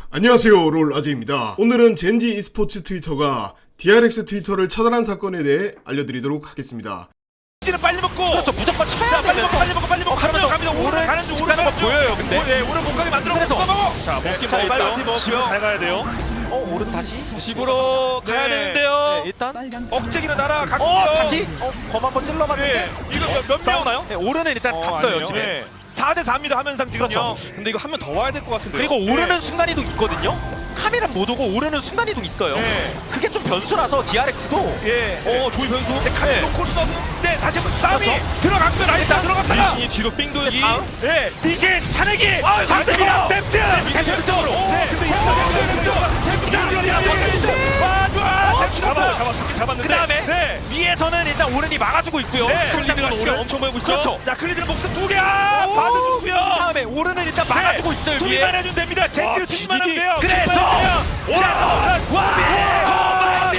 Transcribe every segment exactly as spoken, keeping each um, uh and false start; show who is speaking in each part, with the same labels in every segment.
Speaker 1: 안녕하세요, 롤아재입니다. 오늘은 젠지 e스포츠 트위터가 디알엑스 트위터를 차단한 사건에 대해 알려드리도록 하겠습니다.
Speaker 2: 는 빨리 먹고
Speaker 3: 그렇죠. 무조건 쳐야
Speaker 2: 빨리 먹고
Speaker 3: 되면서
Speaker 2: 빨리 먹고 빨리 먹고 갑니다 갑니다 오른 가는 중 오른
Speaker 3: 거 보여요. 근데
Speaker 2: 네 오른 공간이 만들어
Speaker 3: 그래서
Speaker 2: 먹고
Speaker 4: 자, 먹기
Speaker 3: 자,
Speaker 4: 먹었다.
Speaker 2: 빨리 먹고요.
Speaker 4: 집으로 잘 가야 돼요.
Speaker 3: 어 오른 다시
Speaker 2: 집으로 가야
Speaker 4: 네.
Speaker 2: 되는데요.
Speaker 3: 네, 일단
Speaker 2: 억제기는 날아갔고요.
Speaker 3: 어 다시 어검 한번 찔러봤는데
Speaker 2: 네 이거 몇명
Speaker 3: 싸우나요? 네, 오른은 일단
Speaker 2: 어,
Speaker 3: 갔어요
Speaker 2: 아니에요.
Speaker 3: 집에.
Speaker 2: 네. 사 대 사입니다 하면상 지금요.
Speaker 3: 그렇죠.
Speaker 4: 근데 이거 한 명 더 와야 될 것 같은데.
Speaker 3: 그리고 오른은 순간이동 있거든요. 카메라 못 오고 오른은 순간이동 있어요.
Speaker 2: 네.
Speaker 3: 그게 좀 변수라서 디알엑스도
Speaker 2: 예.
Speaker 3: 어 조이 변수.
Speaker 2: 네, 카메라 놓고 썼는데 다시 한번 싸움이 들어갔고요. 라이트 들어갔다가
Speaker 4: 리신이 뒤로 삥 돌려
Speaker 2: 이
Speaker 4: 다음.
Speaker 2: 예 리신 차내기
Speaker 3: 아,
Speaker 2: 장대입니다.
Speaker 3: 장대입니다.
Speaker 2: 댐트 댐트 쪽으로. 네. 근데 이거 와 좋아.
Speaker 4: 잡아, 잡아, 잡긴 잡았는데.
Speaker 3: 그 다음에
Speaker 2: 네.
Speaker 3: 위에서는 일단 오른이 막아주고 있고요.
Speaker 2: 네.
Speaker 3: 클리드가
Speaker 4: 오른 엄청 보이고 있죠.
Speaker 3: 그렇죠.
Speaker 2: 자 클리드는 목숨 두 개야. 받아주고요.
Speaker 3: 다음에 오른은 일단 막아주고 있어요 위에.
Speaker 2: 두기만 해주면 됩니다. 제끼를 두기만 하면 돼요.
Speaker 3: 그래서
Speaker 2: 와, 와,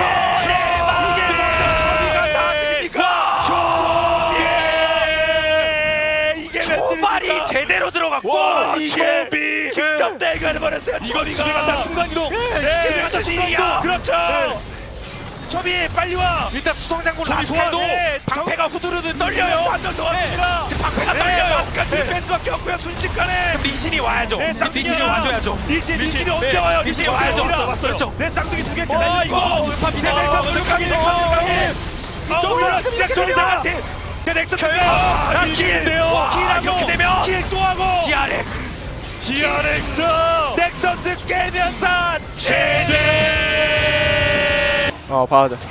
Speaker 3: 초발이 제대로 들어갔고
Speaker 2: 와,
Speaker 3: 이게
Speaker 2: 초비 직접 대결을 벌였어요.
Speaker 4: 이거 집에 간다. 순간이동.
Speaker 2: 집에 간다 순간이동. 그렇죠. 초비 빨리 와.
Speaker 3: 일단 수성장군
Speaker 2: 초비
Speaker 3: 라스칼도
Speaker 2: 소환. 네,
Speaker 3: 방패가 후두르르 떨려요.
Speaker 2: 완전 도와줍니다.
Speaker 3: 지금 방패가
Speaker 2: 네,
Speaker 3: 떨려요.
Speaker 2: 마스카 디펜스밖에 없고요. 순식간에.
Speaker 3: 리신이 와야죠.
Speaker 2: 네,
Speaker 3: 리신이 와줘야죠.
Speaker 2: 리신 리신이
Speaker 3: 네,
Speaker 2: 언제 와요?
Speaker 3: 리신이 와야죠.
Speaker 2: 왔어요.
Speaker 3: 그렇죠.
Speaker 2: 내 쌍둥이 두 개째
Speaker 3: 어,
Speaker 2: 날리고.
Speaker 3: 이거 울파입니다.
Speaker 2: 네, 넥서 물가게 넥서 이쪽으로 진짜 정상한 팀. 그 넥서 켜요.
Speaker 3: 기회인데요.
Speaker 2: 킬
Speaker 3: 이렇게 되면
Speaker 2: 킬또 하고.
Speaker 3: 디알엑스
Speaker 2: 디알엑스 넥서스 깨면서 제제.
Speaker 5: 어 봐야 돼.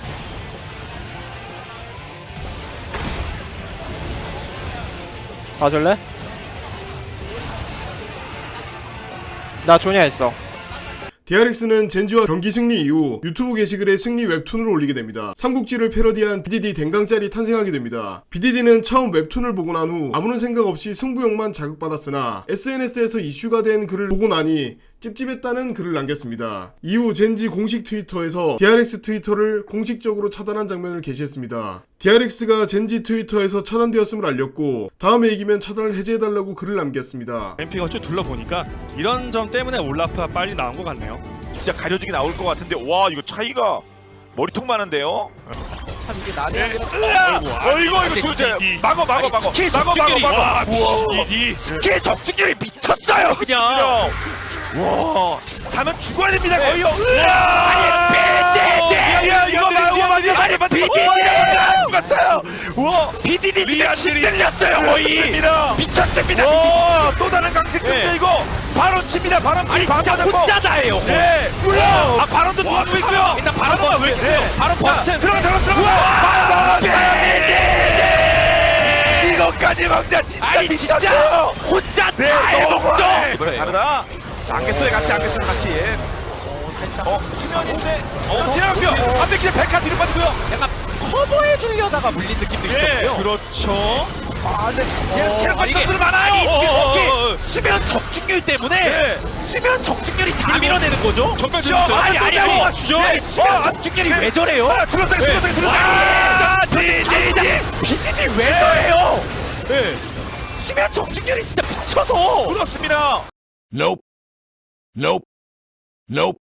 Speaker 5: 봐줄래? 나 조냐 있어.
Speaker 1: 디알엑스는 젠지와 경기 승리 이후 유튜브 게시글에 승리 웹툰을 올리게 됩니다. 삼국지를 패러디한 비디디 댕강짤이 탄생하게 됩니다. 비디디는 처음 웹툰을 보고 난 후 아무런 생각 없이 승부욕만 자극받았으나 에스엔에스에서 이슈가 된 글을 보고 나니 찝찝했다는 글을 남겼습니다. 이후 젠지 공식 트위터에서 디알엑스 트위터를 공식적으로 차단한 장면을 게시했습니다. 디알엑스가 젠지 트위터에서 차단되었음을 알렸고 다음에 이기면 차단을 해제해달라고 글을 남겼습니다.
Speaker 4: 엠피가 쭉 둘러보니까 이런 점 때문에 올라프가 빨리 나온 것 같네요.
Speaker 2: 진짜 가려지게 나올 것 같은데 와 이거 차이가 머리통 많은데요.
Speaker 3: 참 이게 나중에
Speaker 2: 어 이거 이거 진짜 막어 막어 막어
Speaker 3: 스킬
Speaker 2: 막어 막어
Speaker 3: 적중률이
Speaker 2: 막어. 우와
Speaker 4: 이
Speaker 2: 스킬 적중률이 미쳤어요 그냥. 와 자면 죽어야 됩니다 거의요. 아니 야 이거 봐 이거 봐 아니 비디디가 죽었어요. 와 비디디 진짜 신들렸어요 거의. 미쳤습니다. 와또 다른 강식인데 이거 바론 칩니다. 바론
Speaker 3: 아니 진짜 혼자다예요.
Speaker 2: 네 물론 아 바론도 도와주고 있고요.
Speaker 3: 일단 바로 버튼. 왜 그래요? 바로 버튼.
Speaker 2: 들어가 들어가 들어가. 이거까지 막자 진짜
Speaker 3: 아니 진짜
Speaker 2: 미쳤어요.
Speaker 3: 혼자
Speaker 2: 네,
Speaker 3: 다 해먹죠.
Speaker 2: 그래 다르다. 안개소에 같이 안개소에 같이. 어 수면인데 어 지나갔고요. 앞에 그냥 백화 뒤로 빠지고요.
Speaker 3: 약간 커버해 주려다가 물린 느낌도 있었고요.
Speaker 4: 그렇죠.
Speaker 2: 아 근데 얘는 체력
Speaker 3: 아, 이게
Speaker 2: 선수들 많아요.
Speaker 3: 아니,
Speaker 2: 어, 어, 어,
Speaker 3: 이게
Speaker 2: 어.
Speaker 3: 수면 적중률 때문에
Speaker 2: 네.
Speaker 3: 수면 적중률이 다 밀어내는 거죠.
Speaker 4: 정말
Speaker 2: 그렇죠.
Speaker 4: 재밌어요.
Speaker 3: 아니 아니 아니
Speaker 2: 맞추죠.
Speaker 3: 아니, 수면
Speaker 2: 어,
Speaker 3: 적중률이 왜 저래요?
Speaker 2: 아, 들었어요 들었어요 들었어요.
Speaker 3: 아,
Speaker 2: 디디디
Speaker 3: 비디디 왜 저래요? 네. 수면 적중률이 진짜 미쳐서
Speaker 2: 부럽습니다.
Speaker 6: Nope. Nope. Nope.